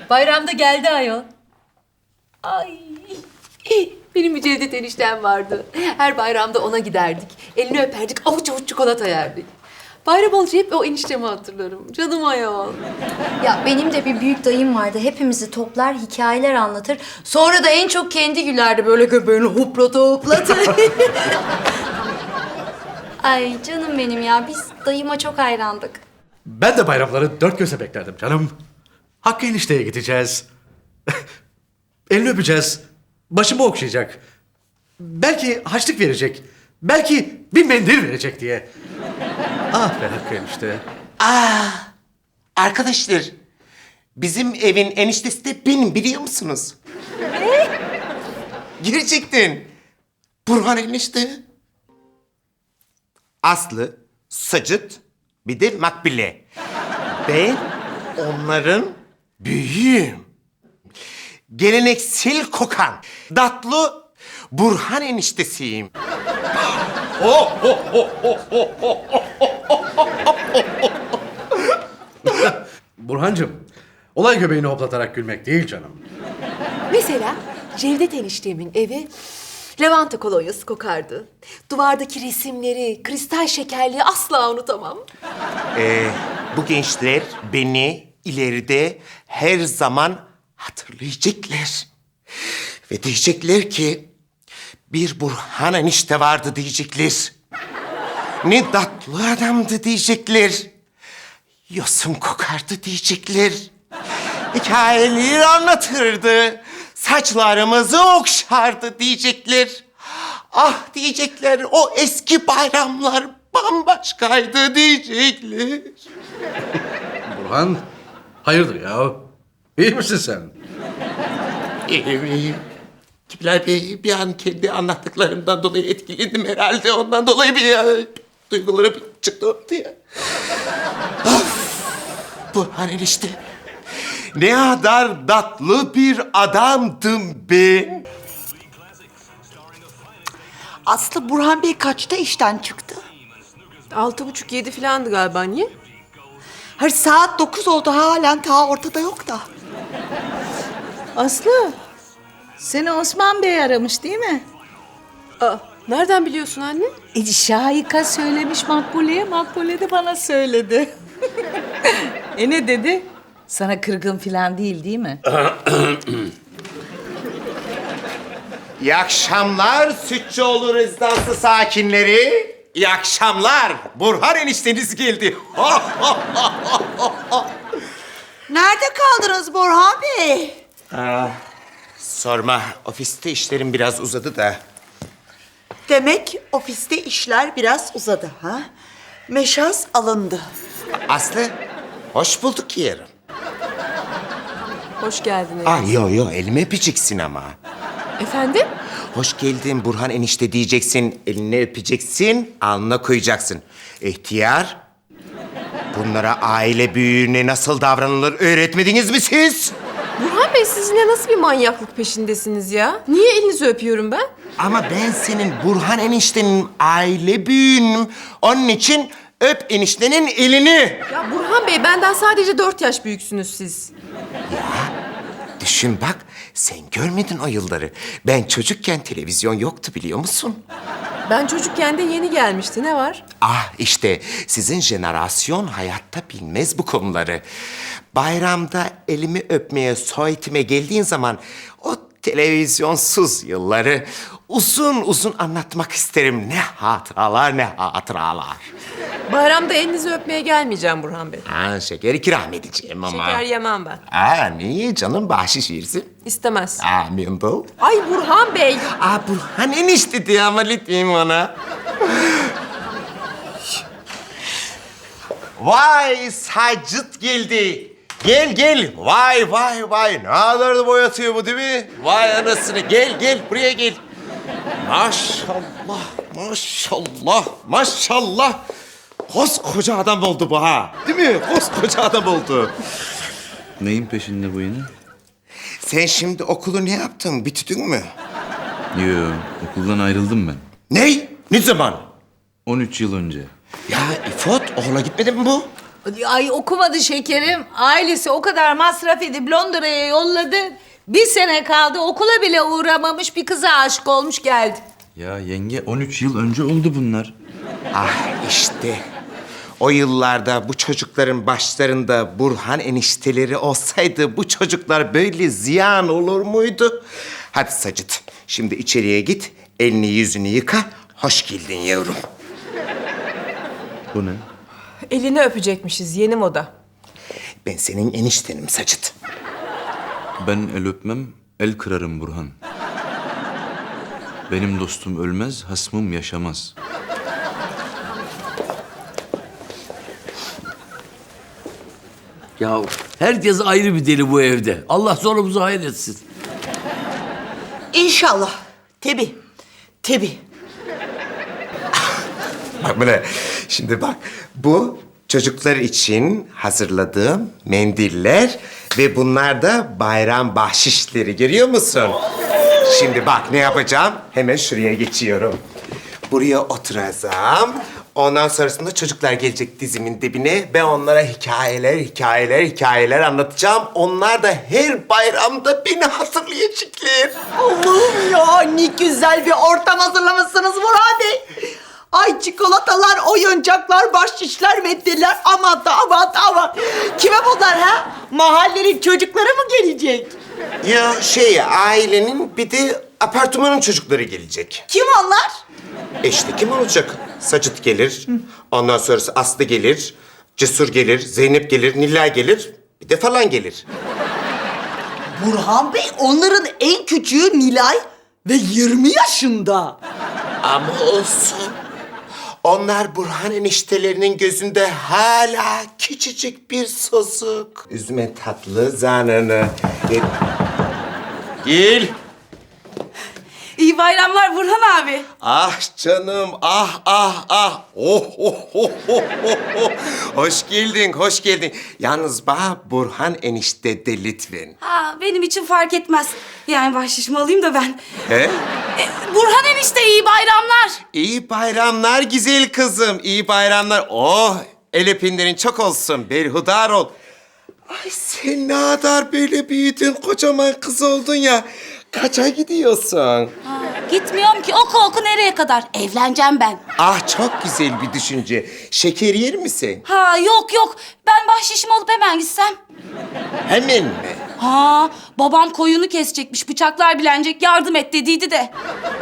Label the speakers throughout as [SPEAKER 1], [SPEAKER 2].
[SPEAKER 1] Bayramda geldi ayol. Ay. Benim bir Cevdet eniştem vardı. Her bayramda ona giderdik. Elini öperdik, avuç avuç çikolata yerdik. Bayram olunca hep o eniştemi hatırlarım. Canım ayol.
[SPEAKER 2] Ya benim de bir büyük dayım vardı. Hepimizi toplar, hikayeler anlatır. Sonra da en çok kendi gülerdi. Böyle göbeğini hoplata hoplata. Ay canım benim ya. Biz dayıma çok hayrandık.
[SPEAKER 3] Ben de bayramları dört gözle beklerdim canım. Hakkı enişteye gideceğiz. Elini öpeceğiz. Başımı okşayacak. Belki harçlık verecek. Belki bir mendil verecek diye. Ah be Hakkı enişte.
[SPEAKER 4] Arkadaşlar, bizim evin eniştesi de benim, biliyor musunuz? Ne? Gerçekten. Burhan enişte. Aslı, Sacıt, bir de Makbule. Ben onların büyüğüm. Geleneksel kokan, tatlı Burhan eniştesiyim.
[SPEAKER 3] Burhancığım, olay göbeğini hoplatarak gülmek değil canım.
[SPEAKER 1] Mesela Cevdet eniştemin evi lavanta kolonyası kokardı. Duvardaki resimleri, kristal şekerliği asla unutamam.
[SPEAKER 4] Bu gençler beni ileride her zaman hatırlayacaklar. Ve diyecekler ki bir Burhan enişte vardı diyecekler. Ne tatlı adamdı diyecekler. Yosun kokardı diyecekler. Hikayeleri anlatırdı. Saçlarımızı okşardı diyecekler. Ah diyecekler, o eski bayramlar bambaşkaydı diyecekler.
[SPEAKER 3] Burhan, hayırdır ya? İyi misin sen?
[SPEAKER 4] İyiyim. Kibler Bey, bir an kendi anlattıklarımdan dolayı etkilendim herhalde. Ondan dolayı duygularım çıktı ortaya. Of! Burhan enişte. Ne kadar tatlı bir adamdım ben.
[SPEAKER 5] Aslı, Burhan Bey kaçta işten çıktı?
[SPEAKER 1] 6.30-7 falandı galiba, niye?
[SPEAKER 5] Hayır, saat 9 oldu, halen ta ortada yok da.
[SPEAKER 6] Aslı, seni Osman Bey aramış değil mi?
[SPEAKER 1] Aa, nereden biliyorsun anne?
[SPEAKER 6] Şahika söylemiş Makbule'ye, Makbule de bana söyledi. Ne dedi? Sana kırgın falan değil mi?
[SPEAKER 4] İyi akşamlar Sütçüoğlu rezidansı sakinleri. İyi akşamlar. Burhan enişteniz geldi.
[SPEAKER 5] Nerede kaldınız Burhan Bey?
[SPEAKER 4] Sorma. Ofiste işlerim biraz uzadı da.
[SPEAKER 5] Demek ofiste işler biraz uzadı ha? Meşas alındı.
[SPEAKER 4] Aslı, hoş bulduk yerim.
[SPEAKER 1] Hoş geldiniz.
[SPEAKER 4] Yo, elimi öpeceksin ama.
[SPEAKER 1] Efendim?
[SPEAKER 4] Hoş geldin Burhan enişte diyeceksin, elini öpeceksin, alnına koyacaksın. İhtiyar, bunlara aile büyüğüne nasıl davranılır öğretmediniz mi siz?
[SPEAKER 1] Burhan Bey, siz yine nasıl bir manyaklık peşindesiniz ya? Niye elinizi öpüyorum ben?
[SPEAKER 4] Ama ben senin Burhan eniştenin aile büyüğünüm. Onun için öp eniştenin elini.
[SPEAKER 1] Ya Burhan Bey, benden sadece 4 yaş büyüksünüz siz.
[SPEAKER 4] Düşün bak, sen görmedin o yılları. Ben çocukken televizyon yoktu, biliyor musun?
[SPEAKER 1] Ben çocukken de yeni gelmişti, ne var?
[SPEAKER 4] Ah işte sizin jenerasyon hayatta bilmez bu konuları. Bayramda elimi öpmeye, soyetime geldiğin zaman o televizyonsuz yılları uzun uzun anlatmak isterim. Ne hatıralar, ne hatıralar.
[SPEAKER 1] Bayramda elinizi öpmeye gelmeyeceğim Burhan Bey.
[SPEAKER 4] Şeker ikram edeceğim ama.
[SPEAKER 1] Şeker yemem ben.
[SPEAKER 4] Niye canım, bahşiş versin?
[SPEAKER 1] İstemez.
[SPEAKER 4] Mindel.
[SPEAKER 1] Ay Burhan Bey!
[SPEAKER 4] Burhan enişte diye ama lütfen ona. Vay, Sacıt geldi. Gel. Vay. Ne kadar da boyatıyor bu değil mi? Vay anasını. Gel. Buraya gel. Maşallah. Koskoca adam oldu bu ha. Değil mi? Koskoca adam oldu.
[SPEAKER 7] Neyin peşinde bu yine?
[SPEAKER 4] Sen şimdi okulu ne yaptın? Bitirdin mü?
[SPEAKER 7] Yo, okuldan ayrıldım ben.
[SPEAKER 4] Ne? Ne zaman?
[SPEAKER 7] 13 yıl önce.
[SPEAKER 4] Ya İfot, okula gitmedi mi bu?
[SPEAKER 6] Ay okumadı şekerim. Ailesi o kadar masraf edip Londra'ya yolladı. Bir sene kaldı okula bile uğramamış bir kıza aşık olmuş geldi.
[SPEAKER 7] Ya yenge 13 yıl önce oldu bunlar.
[SPEAKER 4] Ah işte. O yıllarda bu çocukların başlarında Burhan enişteleri olsaydı bu çocuklar böyle ziyan olur muydu? Hadi Sacit, şimdi içeriye git, elini yüzünü yıka. Hoş geldin yavrum.
[SPEAKER 7] Bu ne?
[SPEAKER 8] Elini öpecekmişiz, yeni moda.
[SPEAKER 4] Ben senin eniştenim Sacit.
[SPEAKER 7] Ben el öpmem, el kırarım Burhan. Benim dostum ölmez, hasmım yaşamaz.
[SPEAKER 9] Ya herkes ayrı bir deli bu evde. Allah sonumuzu hayır etsin.
[SPEAKER 5] İnşallah. Tabii. Tabii.
[SPEAKER 4] Bak buna. Şimdi bak, bu çocuklar için hazırladığım mendiller ve bunlar da bayram bahşişleri, görüyor musun? Şimdi bak ne yapacağım? Hemen şuraya geçiyorum. Buraya oturacağım. Ondan sonrasında çocuklar gelecek dizimin dibine. Ben onlara hikayeler anlatacağım. Onlar da her bayramda beni hatırlayacaklar.
[SPEAKER 5] Allah'ım ya, ne güzel bir ortam hazırlamışsınız Burhan Bey. Ay çikolatalar, oyuncaklar, bahşişler, meddeler. Aman da aman. Kime bunlar ha? Mahallenin çocukları mı gelecek?
[SPEAKER 4] Ya ailenin bir de apartmanın çocukları gelecek.
[SPEAKER 5] Kim onlar?
[SPEAKER 4] İşte kim olacak? Sacit gelir, ondan sonrası Aslı gelir, Cesur gelir, Zeynep gelir, Nilay gelir, bir de falan gelir.
[SPEAKER 5] Burhan Bey, onların en küçüğü Nilay ve 20 yaşında.
[SPEAKER 4] Ama olsun. Onlar Burhan eniştelerinin gözünde hala küçücük bir sosuk. Üzme tatlı zanını. Gel.
[SPEAKER 8] İyi bayramlar Burhan abi.
[SPEAKER 4] Ah canım, ah. Oh. Hoş geldin. Yalnız bana Burhan enişte de lütfen.
[SPEAKER 8] Ha, benim için fark etmez. Yani bahşişimi alayım da ben.
[SPEAKER 4] He?
[SPEAKER 8] Burhan enişte iyi bayramlar.
[SPEAKER 4] İyi bayramlar güzel kızım, iyi bayramlar. Oh, el öpenlerin çok olsun, berhudar ol. Ay sen ne kadar böyle büyüdün, kocaman kız oldun ya. Kaça gidiyorsun?
[SPEAKER 8] Gitmiyorum ki oku nereye kadar? Evleneceğim ben.
[SPEAKER 4] Ah çok güzel bir düşünce. Şeker yer misin?
[SPEAKER 8] Ha yok. Ben bahşişimi alıp hemen gitsem.
[SPEAKER 4] Hemen mi?
[SPEAKER 8] Ha babam koyunu kesecekmiş. Bıçaklar bilenecek yardım et dediydi de.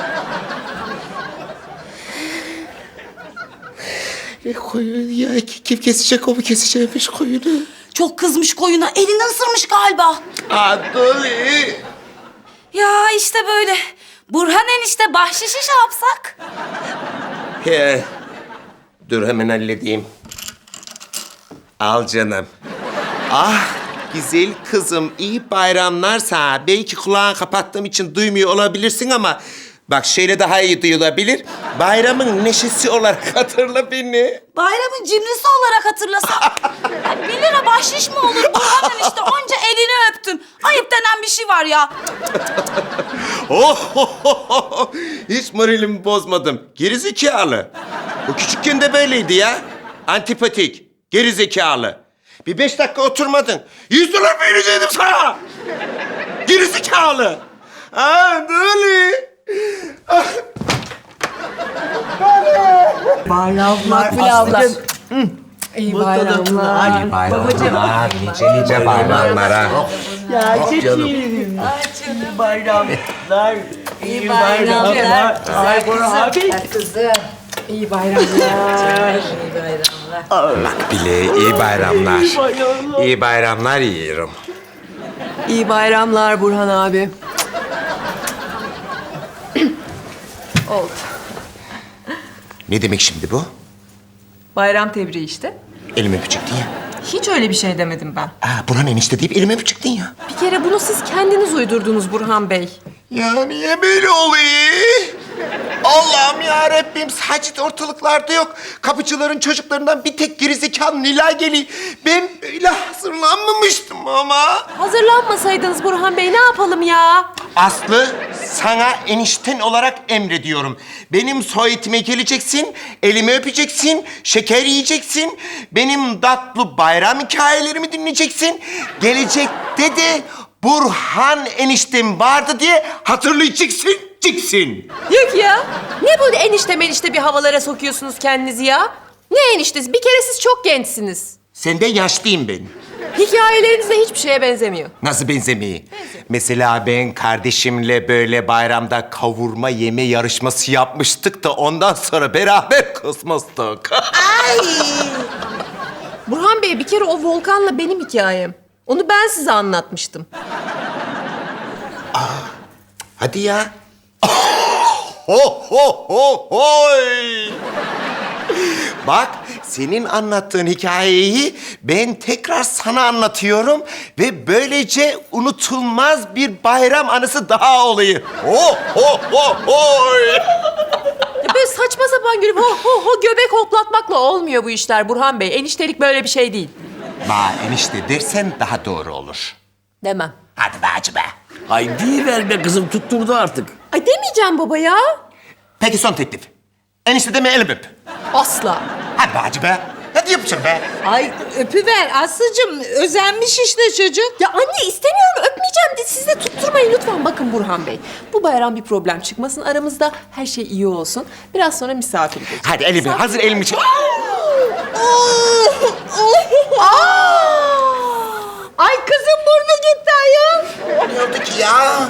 [SPEAKER 4] Koyun ya, kim kesecek, o mu kesecekmiş koyunu?
[SPEAKER 8] Çok kızmış koyuna. Elini ısırmış galiba.
[SPEAKER 4] Adoli.
[SPEAKER 8] Ya işte böyle. Burhan enişte bahşişi şey yapsak?
[SPEAKER 4] He. Dur hemen halledeyim. Al canım. Ah güzel kızım, iyi bayramlar sana. Belki kulağını kapattığım için duymuyor olabilirsin ama... Bak şöyle daha iyi duyulabilir. Bayramın neşesi olarak hatırla beni.
[SPEAKER 8] Bayramın cimrisi olarak hatırlasam. Ya 1 lira bahşiş mi olur? Burhan enişte onca elini öptüm. Ayıp denen bir şey var ya.
[SPEAKER 4] Hiç moralimi bozmadım. Gerizekalı. O küçükken de böyleydi ya. Antipatik, gerizekalı. Bir 5 dakika oturmadın. 100 dolar verecektim sana. Gerizekalı. Böyle.
[SPEAKER 5] Bayramlar
[SPEAKER 8] abla.
[SPEAKER 5] İyi bayramlar.
[SPEAKER 4] İyi bayramlar. Nice bayramlara.
[SPEAKER 5] Ya çeçilim. İyi bayramlar. İyi bayramlar. Ay Burhan Bey. İyi bayramlar.
[SPEAKER 4] Bak bile iyi bayramlar. İyi bayramlar yiyorum.
[SPEAKER 10] İyi bayramlar Burhan abi. Oldu.
[SPEAKER 4] Ne demek şimdi bu?
[SPEAKER 10] Bayram tebriği işte.
[SPEAKER 4] Elime öpecektin ya.
[SPEAKER 10] Hiç öyle bir şey demedim ben.
[SPEAKER 4] Burhan enişte deyip elime öpecektin ya.
[SPEAKER 10] Bir kere bunu siz kendiniz uydurdunuz Burhan Bey.
[SPEAKER 4] Ya niye böyle oluyor? Allah'ım ya Rabbim, Sacit ortalıklarda yok. Kapıcıların çocuklarından bir tek gerizekalı Nilay geliyor. Ben böyle hazırlanmamıştım ama.
[SPEAKER 10] Hazırlanmasaydınız Burhan Bey ne yapalım ya?
[SPEAKER 4] Aslı, Sana enişten olarak emrediyorum. Benim soyetime geleceksin, elimi öpeceksin, şeker yiyeceksin. Benim tatlı bayram hikayelerimi dinleyeceksin. Gelecekte de Burhan eniştem vardı diye hatırlayacaksın, ciksin.
[SPEAKER 10] Yok ya. Ne bu enişte bir havalara sokuyorsunuz kendinizi ya? Ne eniştesi? Bir kere siz çok gençsiniz.
[SPEAKER 4] Senden yaşlıyım ben.
[SPEAKER 10] Hikayeleriniz de hiçbir şeye benzemiyor.
[SPEAKER 4] Nasıl benzemeyi? Mesela ben kardeşimle böyle bayramda kavurma yeme yarışması yapmıştık da ondan sonra beraber kısmıştık.
[SPEAKER 10] Burhan Bey, bir kere o Volkan'la benim hikayem. Onu ben size anlatmıştım.
[SPEAKER 4] Hadi ya. Ho ho ho hoy. Bak, senin anlattığın hikayeyi ben tekrar sana anlatıyorum ve böylece unutulmaz bir bayram anısı daha oluyor. Ho ho ho hoy.
[SPEAKER 10] Ya böyle saçma sapan gülüp ho göbek hoplatmakla olmuyor bu işler Burhan Bey. Eniştelik böyle bir şey değil.
[SPEAKER 4] Ba enişte dersen daha doğru olur.
[SPEAKER 10] Demem.
[SPEAKER 4] Hadi be hacı be.
[SPEAKER 9] Ay ver be kızım, tutturdu artık.
[SPEAKER 10] Ay demeyeceğim baba ya.
[SPEAKER 4] Peki son teklif. Enişte deme elim öp.
[SPEAKER 10] Asla.
[SPEAKER 4] Hadi be hacı be. Hadi yapacağım be.
[SPEAKER 6] Ay öpüver Aslı'cığım. Özenmiş işte çocuk.
[SPEAKER 10] Ya anne istemiyorum, öpmeyeceğim de siz de tutturmayın lütfen. Bakın Burhan Bey, bu bayram bir problem çıkmasın aramızda. Her şey iyi olsun. Biraz sonra misafir geleceğiz.
[SPEAKER 4] Hadi elimi, hazır elimi çek.
[SPEAKER 6] Ay kızım burnu gitti ayol.
[SPEAKER 4] Ne oldu ki ya?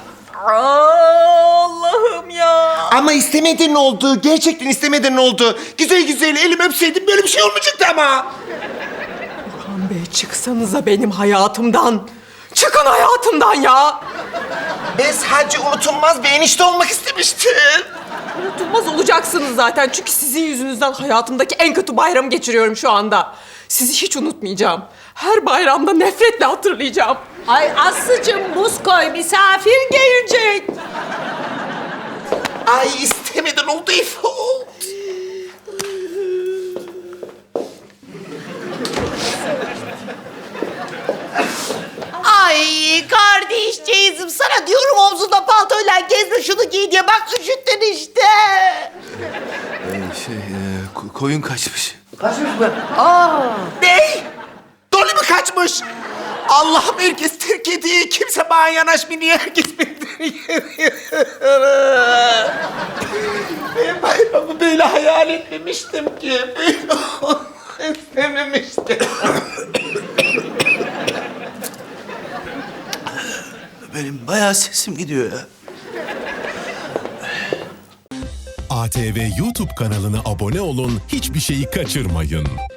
[SPEAKER 6] Allah'ım ya.
[SPEAKER 4] Ama istemeden oldu. Gerçekten istemeden oldu. Güzel güzel elimi öpseydim böyle bir şey olmayacaktı ama.
[SPEAKER 10] Burhan Bey, çıksanıza benim hayatımdan. Çıkın hayatımdan ya.
[SPEAKER 4] Ben sadece unutulmaz bir enişte olmak istemiştim.
[SPEAKER 10] Unutulmaz olacaksınız zaten. Çünkü sizin yüzünüzden hayatımdaki en kötü bayramı geçiriyorum şu anda. Sizi hiç unutmayacağım. Her bayramda nefretle hatırlayacağım.
[SPEAKER 6] Ay Aslı'cığım buz koy misafir gelecek.
[SPEAKER 4] Ay istemeden oldu İfo.
[SPEAKER 5] Ay kardeşciğizim sana diyorum omzunda paltoyla gezme şunu giy diye. Bak üşüttün işte.
[SPEAKER 7] Koyun kaçmış.
[SPEAKER 4] Ne? Dolly mi kaçmış? Allah'ım herkes terk ediyor. Kimse bana yanaşmıyor. Herkes beni Ben bayramı böyle hayal etmemiştim ki. Böyle istememiştim.
[SPEAKER 7] Benim bayağı sesim gidiyor ya.
[SPEAKER 11] ATV YouTube kanalına abone olun, hiçbir şeyi kaçırmayın.